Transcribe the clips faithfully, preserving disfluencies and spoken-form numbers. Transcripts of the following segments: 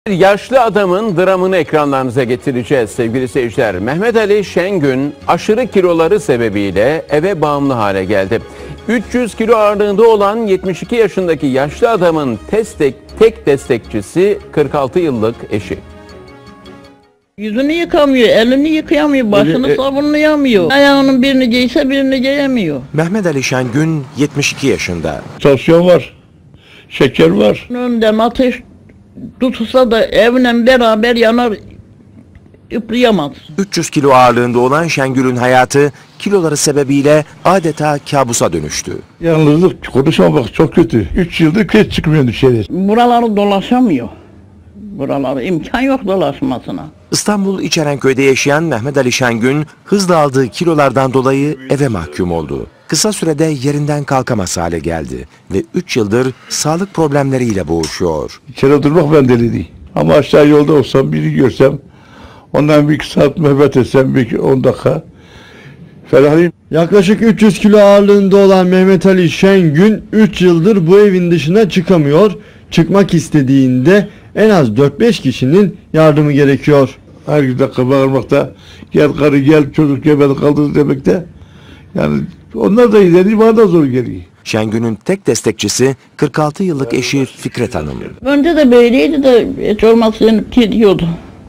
Yaşlı adamın dramını ekranlarınıza getireceğiz sevgili seyirciler. Mehmet Ali Şengün aşırı kiloları sebebiyle eve bağımlı hale geldi. üç yüz kilo ağırlığında olan yetmiş iki yaşındaki yaşlı adamın destek, tek destekçisi kırk altı yıllık eşi. Yüzünü yıkamıyor, elini yıkayamıyor, başını Öyle, e- savunlayamıyor. Ayağının birini giyse birini giyemiyor. Mehmet Ali Şengün yetmiş iki yaşında. Tansiyon var, şeker var. Önden ateş tutulsa da evle beraber yanar, üfleyemez. üç yüz kilo ağırlığında olan Şengül'ün hayatı kiloları sebebiyle adeta kabusa dönüştü. Yalnızlık, konuşamamak çok kötü. üç yıldır hiç çıkmıyor dışarı. Buraları dolaşamıyor. Buraları imkan yok dolaşmasına. İstanbul İçerenköy'de yaşayan Mehmet Ali Şengün hızla aldığı kilolardan dolayı eve mahkum oldu. Kısa sürede yerinden kalkamaz hale geldi ve üç yıldır sağlık problemleriyle boğuşuyor. İçeri durmak ben deli değil. Ama aşağı yolda olsam, biri görsem, ondan bir iki saat muhabbet etsem, bir on dakika ferahlayayım. Yaklaşık üç yüz kilo ağırlığında olan Mehmet Ali Şengün üç yıldır bu evin dışına çıkamıyor. Çıkmak istediğinde en az dört beş kişinin yardımı gerekiyor. Her gün dakika bağırmakta, gel karı gel çocuk yemedi kaldı demekte. Yani onlar da ileri, bana da zor geliyor. Şengün'ün tek destekçisi kırk altı yıllık eşi Fikret Hanım. Önce de böyleydi de hiç olmazsa yenip gidiyordu.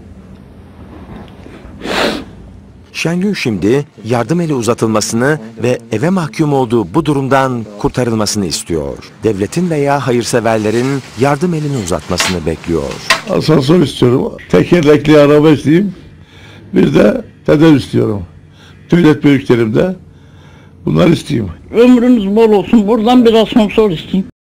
Şengün şimdi yardım eli uzatılmasını ve eve mahkum olduğu bu durumdan kurtarılmasını istiyor. Devletin veya hayırseverlerin yardım elini uzatmasını bekliyor. Asansör istiyorum, tekerlekli araba isteyeyim, bir de tedavi istiyorum. Devlet büyüklerimde bunlar isteyeyim. Ömrünüz bol olsun, buradan biraz asansör isteyeyim.